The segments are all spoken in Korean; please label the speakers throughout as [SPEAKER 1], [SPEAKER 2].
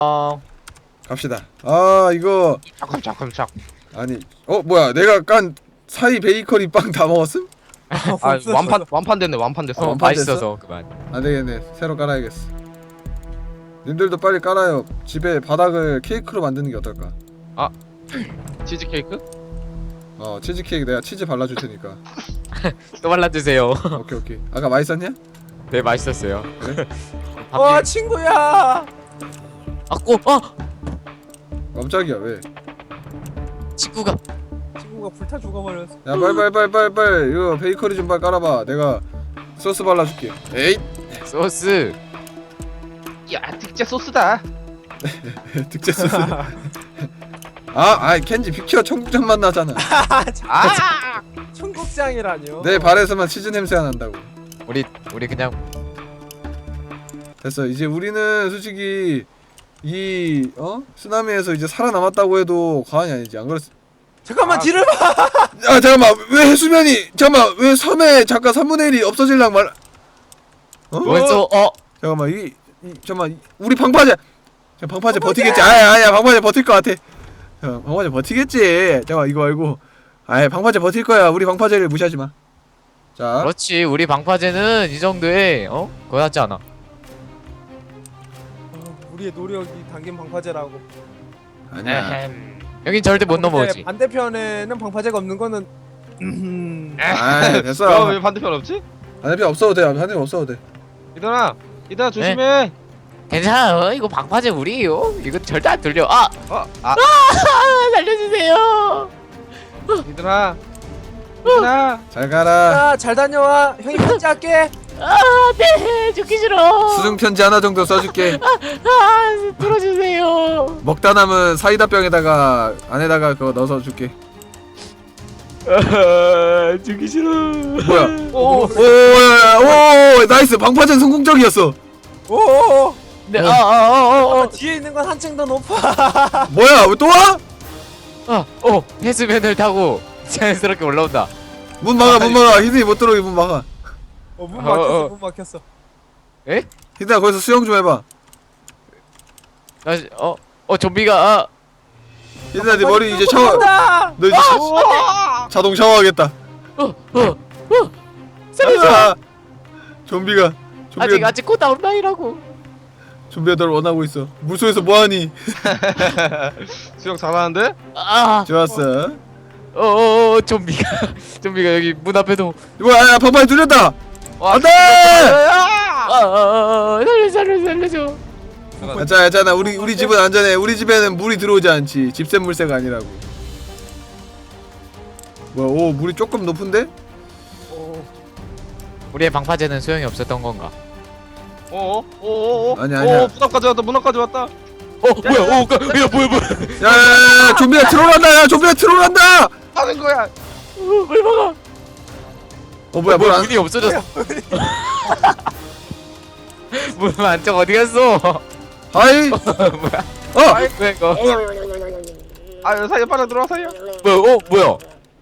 [SPEAKER 1] 갑시다. 아 이거
[SPEAKER 2] 잠깐.
[SPEAKER 1] 아니 뭐야 내가 깐 사이 베이커리 빵 다 먹었음?
[SPEAKER 2] 아 완판 됐네. 완판 됐어.
[SPEAKER 1] 완판
[SPEAKER 3] 맛있어서 그만.
[SPEAKER 1] 안되겠네 새로 깔아야겠어. 님들도 빨리 깔아요. 집에 바닥을 케이크로 만드는 게 어떨까?
[SPEAKER 2] 치즈 케이크?
[SPEAKER 1] 치즈 케이크 내가 치즈 발라줄 테니까.
[SPEAKER 3] 또 발라주세요.
[SPEAKER 1] 오케이 아까 맛있었냐?
[SPEAKER 3] 네 맛있었어요.
[SPEAKER 1] 그래?
[SPEAKER 4] 와 친구야.
[SPEAKER 3] 아꼬
[SPEAKER 1] 깜짝이야 왜?
[SPEAKER 3] 친구가
[SPEAKER 4] 친구가 불타 죽어버렸어.
[SPEAKER 1] 야 빨리 이거 베이커리 좀 빨리 깔아봐. 내가 소스 발라줄게. 에잇
[SPEAKER 3] 소스.
[SPEAKER 2] 야 특제 소스다.
[SPEAKER 1] 특제 소스. 켄지 비켜. 청국장 맛 나잖아.
[SPEAKER 2] 아
[SPEAKER 4] 청국장이라뇨.
[SPEAKER 1] 내 발에서만 치즈 냄새가 난다고.
[SPEAKER 3] 우리 그냥
[SPEAKER 1] 됐어. 이제 우리는 솔직히 이 쓰나미에서 이제 살아남았다고 해도 과언이 아니지. 안 그렇?
[SPEAKER 4] 잠깐만 뒤를 봐.
[SPEAKER 1] 잠깐만 왜 해수면이 왜 섬에 잠깐 3분의 1이 없어질랑 말.
[SPEAKER 3] 왼쪽
[SPEAKER 1] 잠깐만 잠깐만 우리 방파제 버티겠지? 아니야 방파제 버틸 것 같아. 방파제 버티겠지. 잠깐 이거 알고. 방파제 버틸 거야. 우리 방파제를 무시하지 마. 자.
[SPEAKER 3] 그렇지. 우리 방파제는 이 정도에 그거 낫지 않아.
[SPEAKER 4] 우리의 노력이 담긴 방파제라고.
[SPEAKER 1] 아니야.
[SPEAKER 3] 여긴 절대 못 넘어오지.
[SPEAKER 4] 반대편에는 방파제가 없는 거는
[SPEAKER 1] 됐어.
[SPEAKER 2] 왜 반대편 없지?
[SPEAKER 1] 반대편 없어도 돼. 반대편 없어도 돼.
[SPEAKER 2] 이들아 조심해.
[SPEAKER 3] 괜찮아. 이거 방파제 우리예요. 이거 절대 안 들려. 살려주세요.
[SPEAKER 2] 이들아
[SPEAKER 1] 잘 가라.
[SPEAKER 4] 잘 다녀와. 형이 편지할게.
[SPEAKER 3] 네. 죽기 싫어.
[SPEAKER 1] 수중 편지 하나 정도 써줄게.
[SPEAKER 3] 들어주세요.
[SPEAKER 1] 먹다 남은 사이다 병에다가 안에다가 그거 넣어서 줄게.
[SPEAKER 3] 죽기 싫어.
[SPEAKER 1] 뭐야? 오 나이스. 방파제 성공적이었어.
[SPEAKER 4] 오.
[SPEAKER 3] 네.
[SPEAKER 4] 뒤에 있는 건 한층 더 높아.
[SPEAKER 1] 뭐야? 왜 또 와?
[SPEAKER 3] 해수면을 타고 자연스럽게 올라온다.
[SPEAKER 1] 문 막아. 히든이 못 들어오게 문 막아.
[SPEAKER 4] 문 막혔어. 문 막혔어.
[SPEAKER 3] 에?
[SPEAKER 1] 히든아 거기서 수영 좀 해봐.
[SPEAKER 3] 다시 좀비가
[SPEAKER 1] 히든아 네 머리 이제 샤워.
[SPEAKER 4] 간다.
[SPEAKER 1] 너 이제 자동 샤워하겠다.
[SPEAKER 3] 살려줘.
[SPEAKER 1] 좀비가
[SPEAKER 3] 아직 곧 나온다이라고.
[SPEAKER 1] 좀비가 널 원하고 있어. 물속에서 뭐하니?
[SPEAKER 2] 수영 잘하는데?
[SPEAKER 1] 좋았어.
[SPEAKER 3] 좀비가 여기 문 앞에도.
[SPEAKER 1] 뭐야? 방파제 뚫렸다. 안돼.
[SPEAKER 3] 살려줘.
[SPEAKER 1] 괜찮아. 우리 집은 안전해. 우리 집에는 물이 들어오지 않지. 집샘 물새가 아니라고. 뭐야? 물이 조금 높은데?
[SPEAKER 3] 우리의 방파제는 소용이 없었던 건가?
[SPEAKER 1] 아니야.
[SPEAKER 2] 문 앞까지 왔다.
[SPEAKER 3] 뭐야? 뭐야?
[SPEAKER 1] 야, 좀비가 트롤한다.
[SPEAKER 2] 하는 거야.
[SPEAKER 3] 뭘 막아?
[SPEAKER 1] 뭐야?
[SPEAKER 3] 문이 없어졌어. 문 안쪽 어디 갔어?
[SPEAKER 1] 하이.
[SPEAKER 3] 뭐야? 왜 이거?
[SPEAKER 2] 사이에 빨리 들어와 사이야.
[SPEAKER 3] 뭐야?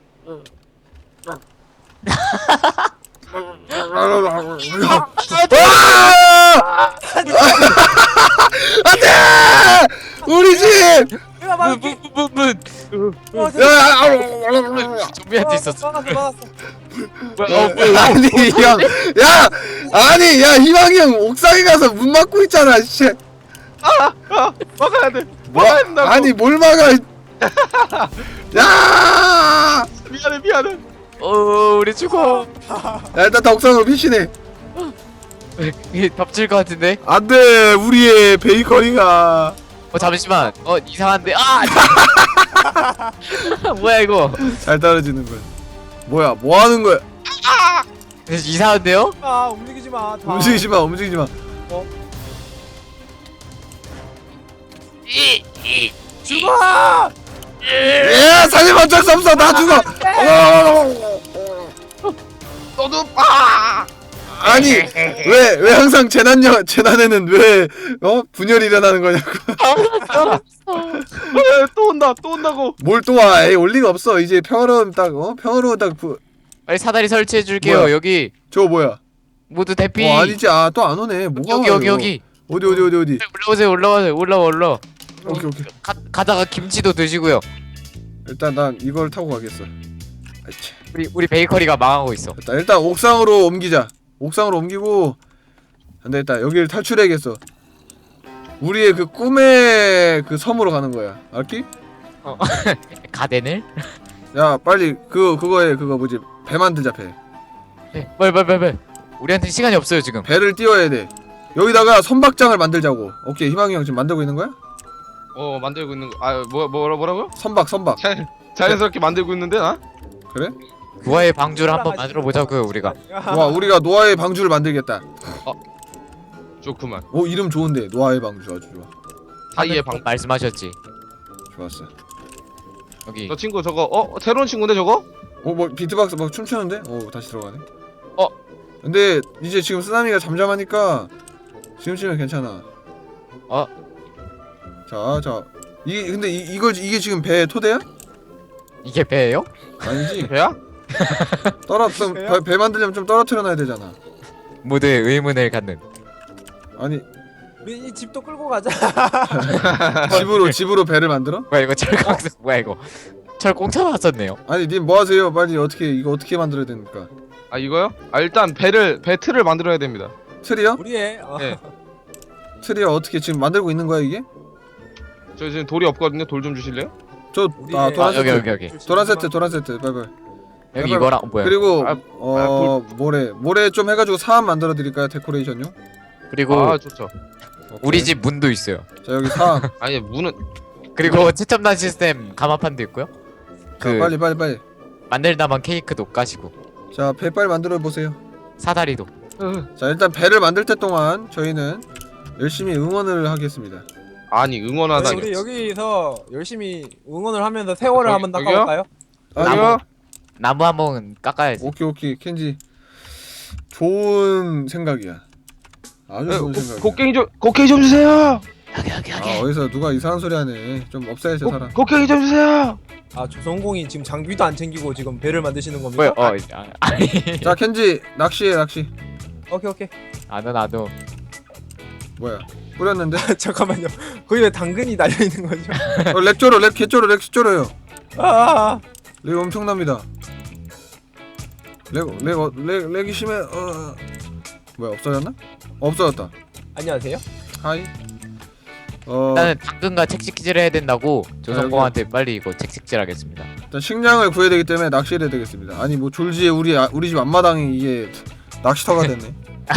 [SPEAKER 1] 안돼! 우리 집!
[SPEAKER 4] 내가 막을게.
[SPEAKER 3] 문. 좀비한테 있었어.
[SPEAKER 4] 막았어.
[SPEAKER 1] 아니 희망이 형 옥상에 가서 문 막고 있잖아. 씨.
[SPEAKER 2] 막아야 돼.
[SPEAKER 1] 뭐?
[SPEAKER 2] 막아야 된다고.
[SPEAKER 1] 아니 뭘 막아? 야!
[SPEAKER 2] 미안해.
[SPEAKER 3] 우리 죽어.
[SPEAKER 1] 야, 일단 다 옥상으로 피신해.
[SPEAKER 3] 이게 덮칠 것 같은데?
[SPEAKER 1] 안돼, 우리의 베이커리가.
[SPEAKER 3] 잠시만. 이상한데. 뭐야 이거?
[SPEAKER 1] 잘 떨어지는 거야. 뭐야? 뭐 하는 거야?
[SPEAKER 3] 이상한데요?
[SPEAKER 4] 움직이지 마.
[SPEAKER 1] 움직이지 마.
[SPEAKER 4] 죽어.
[SPEAKER 1] 예, 살림 어쩔 수 없어. 나 죽어.
[SPEAKER 2] 너도
[SPEAKER 1] 아니 왜 항상 재난에는 왜 분열이 일어나는 거냐고.
[SPEAKER 2] 또 온다고.
[SPEAKER 1] 뭘 또 와? 에이, 올 리가 없어. 이제 평화로운
[SPEAKER 3] 빨리 사다리 설치해 줄게요.
[SPEAKER 1] 뭐야?
[SPEAKER 3] 여기
[SPEAKER 1] 저거 뭐야?
[SPEAKER 3] 모두 대피.
[SPEAKER 1] 아니지. 또 안 오네. 뭐가
[SPEAKER 3] 여기.
[SPEAKER 1] 어디?
[SPEAKER 3] 올라와.
[SPEAKER 1] 오케이.
[SPEAKER 3] 가다가 김치도 드시고요.
[SPEAKER 1] 일단 난 이걸 타고 가겠어. 아이차.
[SPEAKER 3] 우리 베이커리가 망하고 있어.
[SPEAKER 1] 됐다. 일단 옥상으로 옮기자. 옥상으로 옮기고 안 되겠다. 여기를 탈출해야겠어. 우리의 그 꿈의 그 섬으로 가는 거야. 알기?
[SPEAKER 3] 가덴을?
[SPEAKER 1] 야 빨리 그거에 그거 뭐지? 배 만들자 배.
[SPEAKER 3] 네, 빨리. 우리한테 시간이 없어요 지금.
[SPEAKER 1] 배를 띄워야 돼. 여기다가 선박장을 만들자고. 오케이 희망이 형 지금 만들고 있는 거야?
[SPEAKER 2] 만들고 있는 거. 뭐라고요?
[SPEAKER 1] 선박.
[SPEAKER 2] 자연스럽게 만들고 있는데 나?
[SPEAKER 1] 그래?
[SPEAKER 3] 노아의 방주를 한번 만들어 보자고요 우리가.
[SPEAKER 1] 와 우리가 노아의 방주를 만들겠다.
[SPEAKER 2] 좋구만.
[SPEAKER 1] 오 이름 좋은데 노아의 방주 아주 좋아.
[SPEAKER 2] 사이의 방.
[SPEAKER 3] 말씀하셨지.
[SPEAKER 1] 좋았어.
[SPEAKER 3] 여기
[SPEAKER 2] 저 친구 저거 새로운 친구인데 저거?
[SPEAKER 1] 뭐 비트박스 막 춤추는데? 다시 들어가네.
[SPEAKER 2] 어.
[SPEAKER 1] 근데 이제 지금 쓰나미가 잠잠하니까 지금 치면 괜찮아. 자. 이게 지금 배 토대야?
[SPEAKER 3] 이게 배예요?
[SPEAKER 1] 아니지.
[SPEAKER 2] 배야?
[SPEAKER 1] 배 만들려면 좀 떨어뜨려 놔야 되잖아.
[SPEAKER 3] 모두의 의문을 갖는.
[SPEAKER 1] 아니
[SPEAKER 4] 우리 이 집도 끌고 가자.
[SPEAKER 1] 집으로 배를 만들어?
[SPEAKER 3] 뭐야 이거 철공 뭐야 이거 철공차 나왔었네요.
[SPEAKER 1] 아니 님 뭐 하세요? 빨리 이거 어떻게 만들어야 됩니까?
[SPEAKER 2] 이거요? 일단 배 틀을 만들어야 됩니다.
[SPEAKER 1] 틀이요?
[SPEAKER 4] 우리의
[SPEAKER 2] 네.
[SPEAKER 1] 틀이요? 어떻게 지금 만들고 있는 거야 이게?
[SPEAKER 2] 저 지금 돌이 없거든요. 돌 좀 주실래요?
[SPEAKER 4] 우리의-
[SPEAKER 1] 도란 세트.
[SPEAKER 3] 여기.
[SPEAKER 1] 도란 세트 빨리.
[SPEAKER 3] 여기 이거랑 뭐야?
[SPEAKER 1] 그리고
[SPEAKER 2] 아,
[SPEAKER 1] 모래 좀 해가지고 사암 만들어 드릴까요? 데코레이션용?
[SPEAKER 3] 그리고
[SPEAKER 2] 좋죠.
[SPEAKER 1] 오케이.
[SPEAKER 3] 우리 집 문도 있어요.
[SPEAKER 1] 자 여기 사암.
[SPEAKER 2] 아니 문은
[SPEAKER 3] 그리고 최첨단 시스템 가마판도 있고요.
[SPEAKER 1] 자 빨리.
[SPEAKER 3] 만들다만 케이크도 까시고
[SPEAKER 1] 자 배 빨리 만들어 보세요.
[SPEAKER 3] 사다리도.
[SPEAKER 1] 자 일단 배를 만들 때 동안 저희는 열심히 응원을 하겠습니다.
[SPEAKER 2] 아니 응원하다니.
[SPEAKER 4] 우리 여기서 열심히 응원을 하면서 세월을 한번
[SPEAKER 2] 여기요?
[SPEAKER 4] 닦아볼까요?
[SPEAKER 2] 아니요.
[SPEAKER 3] 나무 한 번 깎아야지.
[SPEAKER 1] 오케이 켄지 좋은 생각이야. 아주 좋은 생각이야.
[SPEAKER 2] 곡괭이 좀 주세요.
[SPEAKER 3] 여기.
[SPEAKER 1] 어디서 누가 이상한 소리 하네. 좀 없애야지 사람.
[SPEAKER 2] 곡괭이 좀 주세요.
[SPEAKER 4] 조성공이 지금 장비도 안 챙기고 지금 배를 만드시는 겁니까?
[SPEAKER 3] 뭐야? 아니.
[SPEAKER 1] 자 켄지 낚시해.
[SPEAKER 4] 오케이.
[SPEAKER 3] 나도.
[SPEAKER 1] 뭐야 뿌렸는데?
[SPEAKER 4] 잠깐만요. 거기 왜 당근이 달려 있는 거죠?
[SPEAKER 1] 렉 개쩔어요.
[SPEAKER 4] 아,
[SPEAKER 1] 렉 엄청납니다. 렉이 심해. 뭐야 없어졌나? 없어졌다.
[SPEAKER 4] 안녕하세요.
[SPEAKER 1] 하이.
[SPEAKER 3] 일단은 당근과 책식질을 해야 된다고 조성공한테 빨리 이거 책식질하겠습니다.
[SPEAKER 1] 일단 식량을 구해야 되기 때문에 낚시를 해야 되겠습니다. 아니 뭐 졸지에 우리 집 앞마당이 이게 낚시터가 됐네.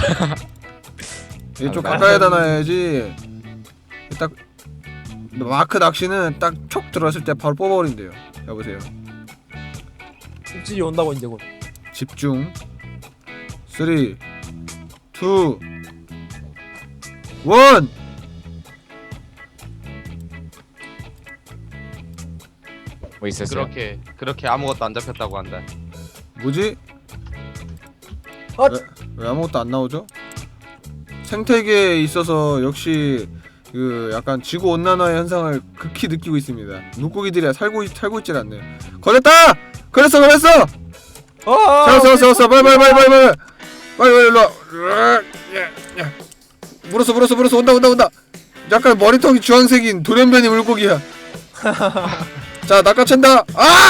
[SPEAKER 1] 이게 좀 가까이다 놔야지. 딱 마크 낚시는 딱 촉 들어왔을 때 바로 뽑아버린대요. 여보세요.
[SPEAKER 4] 입질이 온다고 이제 곧.
[SPEAKER 1] 집중. 3, 2, 1.
[SPEAKER 3] 뭐 있었어요?
[SPEAKER 2] 그렇게 아무것도 안 잡혔다고 한다.
[SPEAKER 1] 뭐지?
[SPEAKER 4] 어?
[SPEAKER 1] 왜 아무것도 안 나오죠? 생태계에 있어서 역시 그 약간 지구 온난화의 현상을 극히 느끼고 있습니다. 물고기들이 살고 있질 않네요. 걸렸다! 걸렸어! 잡았어! 빨리 일로 와. 물었어! 온다! 약간 머리통이 주황색인 돌연변이 물고기야. 자 낚아챈다.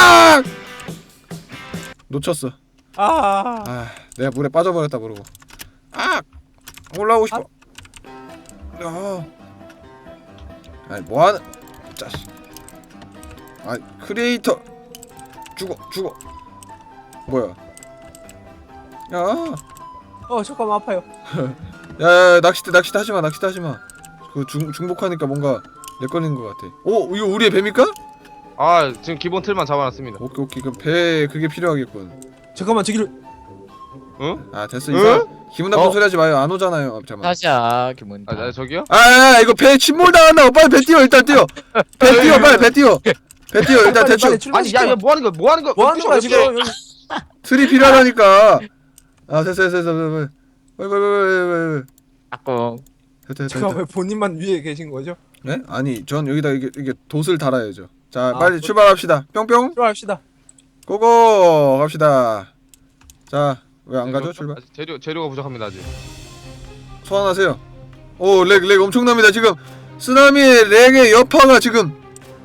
[SPEAKER 1] 놓쳤어. 내가 물에 빠져버렸다 모르고. 올라오고 싶어. 아니 뭐하는 자식. 크리에이터 죽어. 뭐야?
[SPEAKER 4] 잠깐만 아파요.
[SPEAKER 1] 야 낚시대 하지마. 그 중복하니까 뭔가 내 걸린 것 같아. 이거 우리의 배입니까?
[SPEAKER 2] 지금 기본 틀만 잡아놨습니다.
[SPEAKER 1] 오케이 그럼 배 그게 필요하겠군.
[SPEAKER 4] 잠깐만 저기를.
[SPEAKER 2] 응?
[SPEAKER 1] 됐어 이사. 기분 나쁜 소리 하지 마요. 안 오잖아요. 잠깐만.
[SPEAKER 3] 다시야 기분.
[SPEAKER 2] 저기요?
[SPEAKER 1] 이거 배 침몰 당한다. 빨리 배 띄워 일단 띄워. 배 띄워 일단 대충.
[SPEAKER 4] 빨리 출발시켜.
[SPEAKER 2] 아니 야 뭐 하는 거야?
[SPEAKER 4] 뭐 하는 거야 지금?
[SPEAKER 1] 틀이 필요하다니까. 됐어. 빨리.
[SPEAKER 3] 아까
[SPEAKER 1] 됐다.
[SPEAKER 4] 잠깐 왜 본인만 위에 계신 거죠?
[SPEAKER 1] 네? 아니 전 여기다 이게 돛을 달아야죠. 자 빨리
[SPEAKER 4] 돛.
[SPEAKER 1] 출발합시다. 뿅뿅.
[SPEAKER 4] 출발합시다.
[SPEAKER 1] 고고 갑시다. 자 왜 안 가죠 출발?
[SPEAKER 2] 재료가 부족합니다 아직.
[SPEAKER 1] 소환하세요. 렉 엄청납니다. 지금 쓰나미의 렉의 여파가 지금.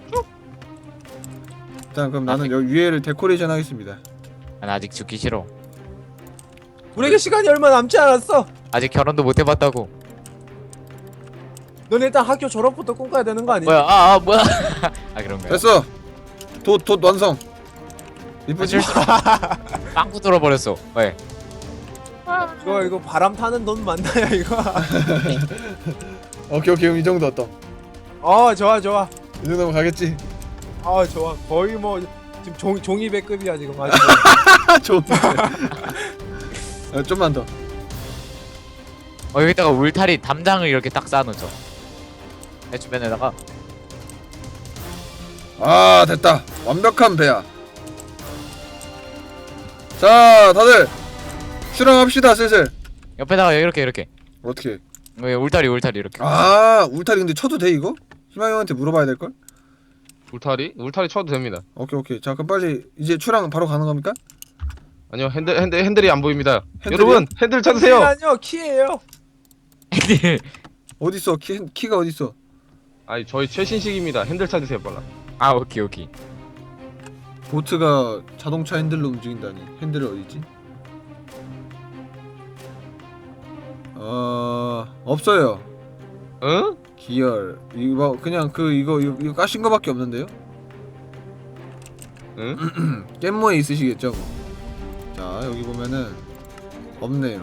[SPEAKER 1] 일단 그럼 나는 여기 위에를 데코레이션 하겠습니다.
[SPEAKER 3] 난 아직 죽기 싫어.
[SPEAKER 4] 우리에게 시간이 얼마 남지 않았어.
[SPEAKER 3] 아직 결혼도 못 해봤다고.
[SPEAKER 4] 넌 일단 학교 졸업부터 꿈꿔야 되는 거 아니야?
[SPEAKER 3] 뭐야? 뭐야? 아 그런가요?
[SPEAKER 1] 됐어. 돛 완성. 이쁘지?
[SPEAKER 3] 빵꾸 뚫어버렸어. 왜?
[SPEAKER 4] 이거 바람 타는 돈 맞나요 이거?
[SPEAKER 1] 오케이 그럼 이 정도 어떤?
[SPEAKER 4] 좋아.
[SPEAKER 1] 이 정도면 가겠지.
[SPEAKER 4] 좋아. 거의 뭐 지금 종이 배급이야 지금 아주.
[SPEAKER 1] 좋은데. 좀만 더.
[SPEAKER 3] 여기다가 울타리 담장을 이렇게 딱 쌓아놓죠. 내 주변에다가.
[SPEAKER 1] 됐다. 완벽한 배야. 자, 다들 출항합시다 슬슬.
[SPEAKER 3] 옆에다가 이렇게.
[SPEAKER 1] 어떻게?
[SPEAKER 3] 울타리 이렇게.
[SPEAKER 1] 울타리 근데 쳐도 돼 이거? 희망이 형한테 물어봐야 될 걸?
[SPEAKER 2] 울타리 쳐도 됩니다.
[SPEAKER 1] 오케이. 자, 그럼 빨리 이제 출항 바로 가는 겁니까?
[SPEAKER 2] 아니요, 핸들이 안 보입니다.
[SPEAKER 1] 핸들이요?
[SPEAKER 2] 여러분, 핸들 찾으세요.
[SPEAKER 4] 아니요 키예요.
[SPEAKER 1] 어디 있어? 키가 어디 있어?
[SPEAKER 2] 아니, 저희 최신식입니다. 핸들 찾으세요, 빨라.
[SPEAKER 3] 아 오케이.
[SPEAKER 1] 보트가 자동차 핸들로 움직인다니. 핸들이 어디 있지? 없어요.
[SPEAKER 2] 응?
[SPEAKER 1] 기열 이거 그냥 이거 까신 거밖에 없는데요?
[SPEAKER 2] 응?
[SPEAKER 1] 깻모에 있으시겠죠? 자 여기 보면은 없네요.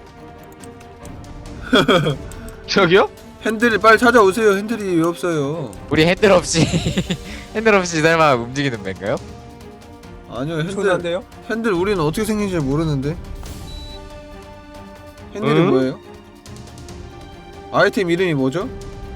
[SPEAKER 2] 저기요?
[SPEAKER 1] 핸들을 빨리 찾아오세요. 핸들이 왜 없어요?
[SPEAKER 3] 우리 핸들 없이 설마 움직이는 배인가요?
[SPEAKER 1] 아니요
[SPEAKER 4] 엄청난데요?
[SPEAKER 1] 핸들 우리는 어떻게 생긴지 모르는데 핸들이
[SPEAKER 2] 응?
[SPEAKER 1] 뭐예요? 아이템 이름이 뭐죠?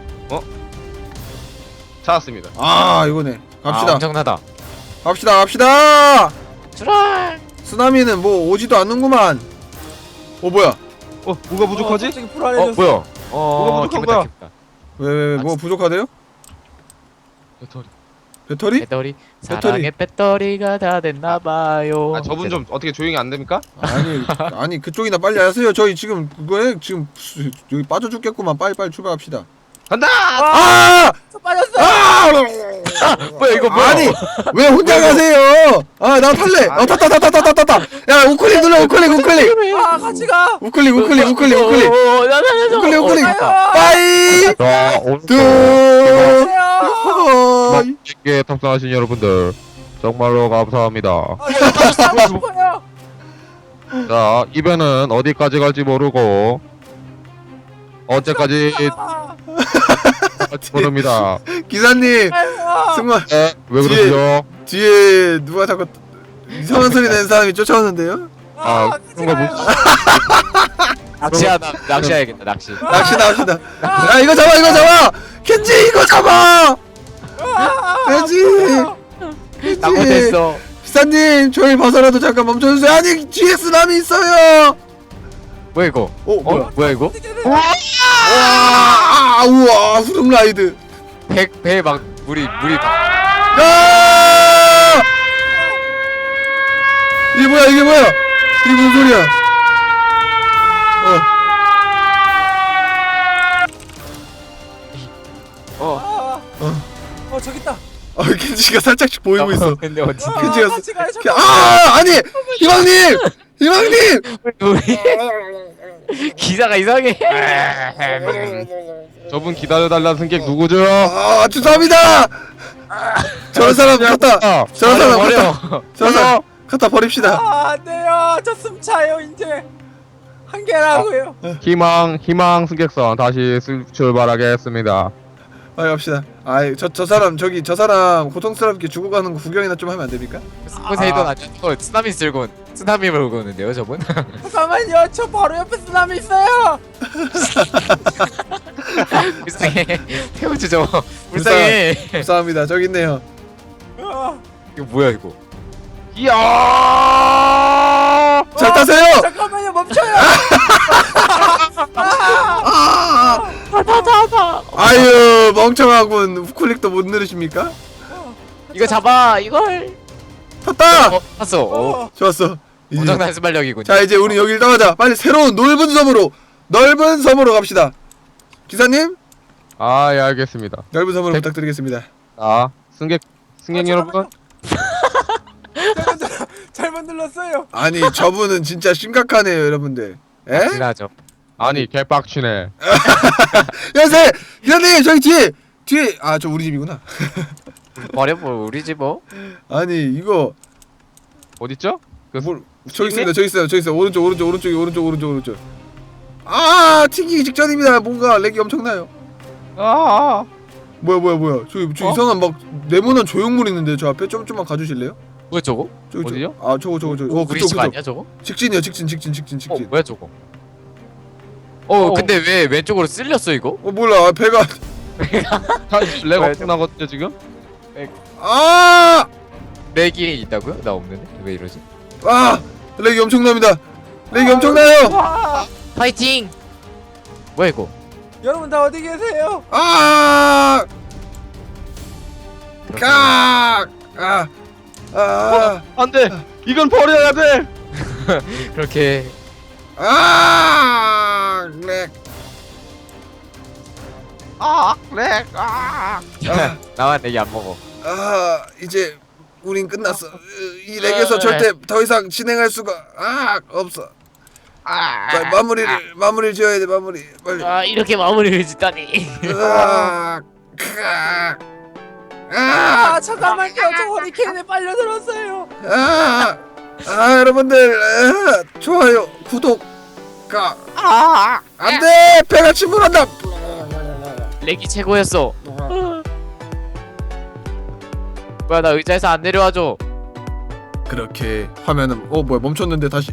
[SPEAKER 2] 찾았습니다.
[SPEAKER 1] 이거네. 갑시다.
[SPEAKER 3] 엄청나다.
[SPEAKER 1] 갑시다.
[SPEAKER 3] 출항.
[SPEAKER 1] 쓰나미는 뭐 오지도 않는구만. 뭐야?
[SPEAKER 2] 뭐가 부족하지?
[SPEAKER 4] 갑자기 불안해졌어.
[SPEAKER 3] 뭐야?
[SPEAKER 2] 뭐가 부족한 거야?
[SPEAKER 3] 기쁘다.
[SPEAKER 1] 왜 뭐 부족하대요?
[SPEAKER 2] 배터리.
[SPEAKER 1] 배터리?
[SPEAKER 3] 사랑의 배터리가 다 됐나봐요.
[SPEAKER 2] 저분 좀 어떻게 조용히 안 됩니까?
[SPEAKER 1] 아니 그쪽이나 빨리 하세요. 저희 지금 그거에 지금 여기 빠져 죽겠구만. 빨리 출발합시다.
[SPEAKER 2] 간다!
[SPEAKER 4] 빠졌어.
[SPEAKER 3] 뭐야 이거 뭐야?
[SPEAKER 1] 아니 왜 혼자 가세요? 나 탈래. 탔다. 야 우클릭 눌러 우클릭.
[SPEAKER 4] 같이 가.
[SPEAKER 1] 우클릭.
[SPEAKER 3] 나나나.
[SPEAKER 1] 빠이. 둘.
[SPEAKER 2] 쉽게 탑승하신 여러분들 정말로 감사합니다.
[SPEAKER 4] 가고 싶어요.
[SPEAKER 2] 자, 이 배는 어디까지 갈지 모르고 언제까지 모릅니다.
[SPEAKER 1] 기사님 정말
[SPEAKER 2] 왜 그러시죠?
[SPEAKER 1] 뒤에 누가 자꾸 이상한 소리 내는 사람이 쫓아오는데요?
[SPEAKER 2] 그런 거 못.
[SPEAKER 3] 낚시해야겠다 낚시.
[SPEAKER 1] 낚시 나옵시다. 야 이거 잡아. 켄지 이거 잡아. 켄지.
[SPEAKER 3] 낚시됐어.
[SPEAKER 1] 기사님 저희 봐서라도 잠깐 멈춰주세요. 아니 뒤에 쓰나미 있어요.
[SPEAKER 3] 뭐야 이거?
[SPEAKER 1] 뭐야?
[SPEAKER 3] 뭐야 이거?
[SPEAKER 1] 우와 후rum 라이드.
[SPEAKER 3] 배 막 물이 막.
[SPEAKER 1] 야! 이게 뭐야? 이게 무슨 소리야?
[SPEAKER 4] 저기 있다.
[SPEAKER 1] 켄지가 살짝씩 보이고 있어.
[SPEAKER 3] 근데 어디?
[SPEAKER 1] 켄지가
[SPEAKER 4] 같이 가요.
[SPEAKER 1] 아니 희망님.
[SPEAKER 3] 우리 기사가 이상해.
[SPEAKER 2] 저분 기다려달라는 승객 누구죠?
[SPEAKER 1] 죄송합니다. 저런 사람 갖다. 저런 사람 갖다 버립시다.
[SPEAKER 4] 안 돼요. 저 숨차요 이제. 한 개라고요.
[SPEAKER 2] 희망 승객선 다시 출발하겠습니다.
[SPEAKER 1] 갑시다. 저 사람 저 사람 고통스럽게 죽어가는 거 구경이나 좀 하면 안 됩니까?
[SPEAKER 3] 포세이돈 아니고 쓰나미 쓸고 쓰나미 몰고 오는데요 저분?
[SPEAKER 4] 잠깐만요. 저 바로 옆에 쓰나미 있어요.
[SPEAKER 3] 불쌍해. 태워주죠. 불쌍해.
[SPEAKER 1] 감사합니다. 저기 있네요.
[SPEAKER 3] 이거 뭐야 이거?
[SPEAKER 2] 이야!
[SPEAKER 1] 잘 타세요.
[SPEAKER 4] 잠깐만요. 멈춰요.
[SPEAKER 1] 아유 멍청하군. 우클릭도 못 누르십니까?
[SPEAKER 3] 이거 잡아 이걸.
[SPEAKER 1] 탔다.
[SPEAKER 3] 탔어.
[SPEAKER 1] 좋았어. 이제.
[SPEAKER 3] 엄청난 순발력이군.
[SPEAKER 1] 자 이제 우리 여기를 떠나자. 빨리 새로운 넓은 섬으로 갑시다. 기사님
[SPEAKER 2] 아, 예, 알겠습니다.
[SPEAKER 1] 넓은 선물
[SPEAKER 2] 백-
[SPEAKER 1] 부탁드리겠습니다.
[SPEAKER 2] 아, 승객 여러분.
[SPEAKER 4] 잘못 눌렀어요.
[SPEAKER 1] 아니 저분은 진짜 심각하네요 여러분들. 에?
[SPEAKER 3] 지나죠.
[SPEAKER 2] 아니, 개빡치네.
[SPEAKER 1] 여보세요 기사님 저기 뒤에 아 저 우리 집이구나.
[SPEAKER 3] 버려보 우리 집 뭐?
[SPEAKER 1] 아니 이거
[SPEAKER 2] 어딨죠?
[SPEAKER 1] 뭘 저기 있습니다 저기 있어요 오른쪽 아 튕기기 직전입니다. 뭔가 렉이 엄청나요.
[SPEAKER 2] 아,
[SPEAKER 1] 뭐야 저기
[SPEAKER 2] 어?
[SPEAKER 1] 이상한 막 네모난 조형물 있는데 저 앞에 좀만 가주실래요?
[SPEAKER 3] 뭐야 저거?
[SPEAKER 1] 저기
[SPEAKER 2] 어디요?
[SPEAKER 1] 아 저거
[SPEAKER 3] 우리
[SPEAKER 1] 그쪽
[SPEAKER 3] 집 아니야 저거?
[SPEAKER 1] 직진이요 직진
[SPEAKER 3] 뭐야 저거? 근데 왜 왼쪽으로 쓸렸어 이거?
[SPEAKER 1] 몰라 배가
[SPEAKER 2] 렉 엄청 나거든요, 지금?
[SPEAKER 1] 아
[SPEAKER 3] 렉이 있다고요? 나 없는데 왜 이러지?
[SPEAKER 1] 렉이 엄청납니다. 렉이 엄청나요.
[SPEAKER 3] 파이팅! 뭐야 이거?
[SPEAKER 4] 여러분 다 어디 계세요?
[SPEAKER 1] 아
[SPEAKER 2] 안 돼! 이건 버려야 돼!
[SPEAKER 3] 그렇게
[SPEAKER 1] 렉.
[SPEAKER 2] 렉! 아!
[SPEAKER 3] 나만 렉이 안 먹어.
[SPEAKER 1] 이제 우린 끝났어. 이 렉에서 절대 더 이상 진행할 수가 없어. 빨리 마무리를 지어야 돼. 마무리 빨리.
[SPEAKER 3] 이렇게 마무리를 짓다니.
[SPEAKER 4] 잠깐만요. 저 허리케인에 빨려들었어요.
[SPEAKER 1] 여러분들 좋아요 구독 안돼 배가 침몰한다.
[SPEAKER 3] 렉이 최고였어. 뭐야 나 의자에서 안 내려와줘.
[SPEAKER 1] 그렇게 화면은 뭐야 멈췄는데 다시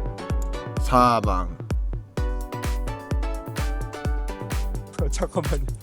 [SPEAKER 1] 사망.
[SPEAKER 4] 잠깐만요.